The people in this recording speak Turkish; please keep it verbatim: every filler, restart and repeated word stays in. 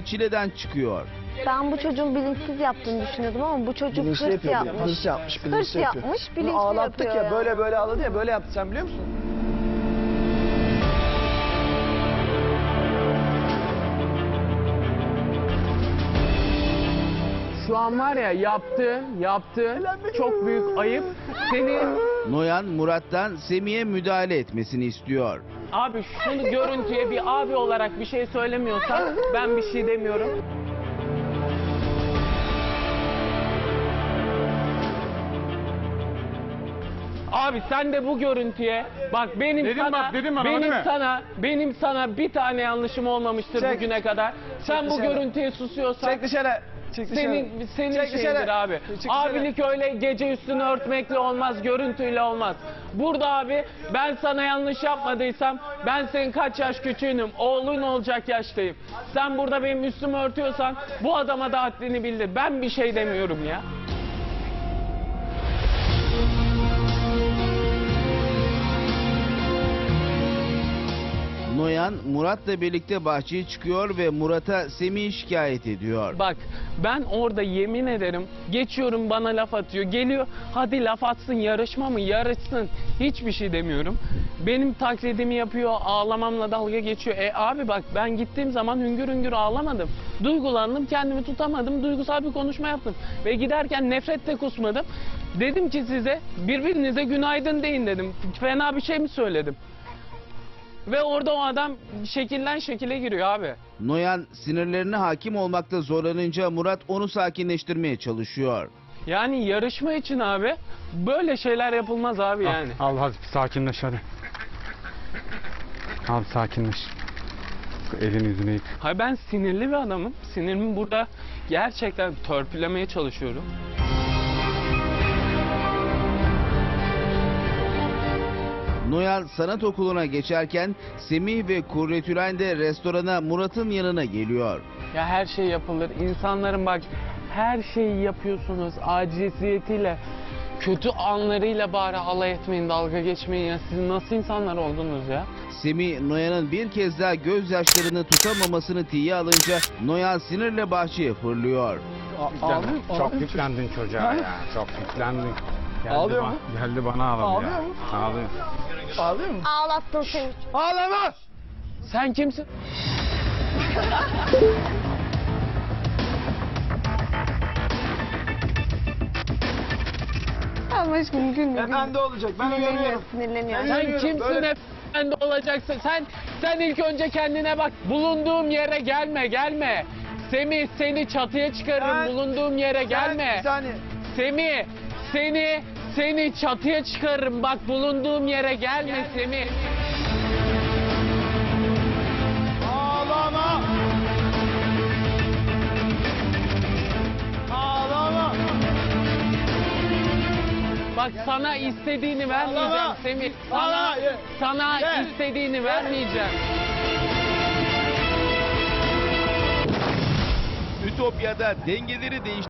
çileden çıkıyor. Ben bu çocuğun bilinçsiz yaptığını düşünüyordum ama bu çocuk Bilinçli hırs yapıyor. yapmış. Hırs yapmış, Hırs bilinçli yapıyor. yapmış, Bunu bilinçli ağlattık yapıyor ya, ya. böyle böyle ağladı ya, böyle yaptı, sen biliyor musun? Şu an var ya yaptığın, yaptığın çok büyük ayıp. Senin Noyan Murat'tan Semih'e müdahale etmesini istiyor. abi şunu görüntüye bir abi olarak bir şey söylemiyorsan ben bir şey demiyorum. Abi sen de bu görüntüye bak benim Dedim sana bak, dedim bana, benim değil mi? sana benim sana bir tane yanlışım olmamıştır Çek. bugüne kadar. Sen bu dışarı. görüntüye susuyorsan Çek dışarı. Çek dışarı. senin senin Çek şeyindir dışarı. abi. Çek dışarı. Abilik öyle gece üstünü örtmekle olmaz, görüntüyle olmaz. Burada abi ben sana yanlış yapmadıysam ben senin kaç yaş küçüğünüm, oğlun olacak yaştayım. Sen burada benim üstümü örtüyorsan bu adama da haddini bildir. Ben bir şey demiyorum ya. Noyan Murat'la birlikte bahçeye çıkıyor ve Murat'a Semih'i şikayet ediyor. Bak ben orada yemin ederim geçiyorum bana laf atıyor. Geliyor hadi laf atsın, yarışma mı yarışsın, hiçbir şey demiyorum. Benim taklidimi yapıyor, ağlamamla dalga geçiyor. E abi bak ben gittiğim zaman hüngür hüngür ağlamadım. Duygulandım, kendimi tutamadım, duygusal bir konuşma yaptım. Ve giderken nefret de kusmadım. Dedim ki size birbirinize günaydın deyin dedim. Fena bir şey mi söyledim? Ve orada o adam şekilden şekile giriyor abi. Noyan sinirlerine hakim olmakta zorlanınca Murat onu sakinleştirmeye çalışıyor. Yani yarışma için abi böyle şeyler yapılmaz abi yani. Al hadi sakinleş hadi. Al sakinleş. Elini yüzünü yık. Hayır ben sinirli bir adamım. Sinirimi burada gerçekten törpülemeye çalışıyorum. Noyan sanat okuluna geçerken Semih ve Kurretülen de restorana Murat'ın yanına geliyor. Ya her şey yapılır. İnsanların bak her şeyi yapıyorsunuz aciziyetiyle. Kötü anlarıyla bari alay etmeyin, dalga geçmeyin ya. Siz nasıl insanlar oldunuz ya? Semih Noyan'ın bir kez daha gözyaşlarını tutamamasını tiye alınca Noyan sinirle bahçeye fırlıyor. Yüklendin. Çok yüklendin çocuğa ya. Çok yüklendin. Geldi Ağlıyor ba- mu? Geldi bana ağladı Ağlıyor ya. mu? Ağlıyor. Ağlıyor mu? Ağlattın seni. Ağlama! Sen kimsin? Ama aşkım gülme. Efendi olacak, ben Sinirleniyor, uyarıyorum. sinirleniyor. Ben- Sen Bilmiyorum, kimsin böyle- efendi olacaksın? Sen sen ilk önce kendine bak. Bulunduğum yere gelme, gelme. Semih seni çatıya çıkarırım. Ben- Bulunduğum yere Sen- gelme. Bir saniye. Semih seni seni çatıya çıkarırım. Bak bulunduğum yere gelme Semih. Ağlama! Ağlama! Bak sana istediğini vermeyeceğim Ağlama! Semih. Sana Ağlama! Ye. sana Ye. istediğini vermeyeceğim. Ütopya'da dengeleri değiştiren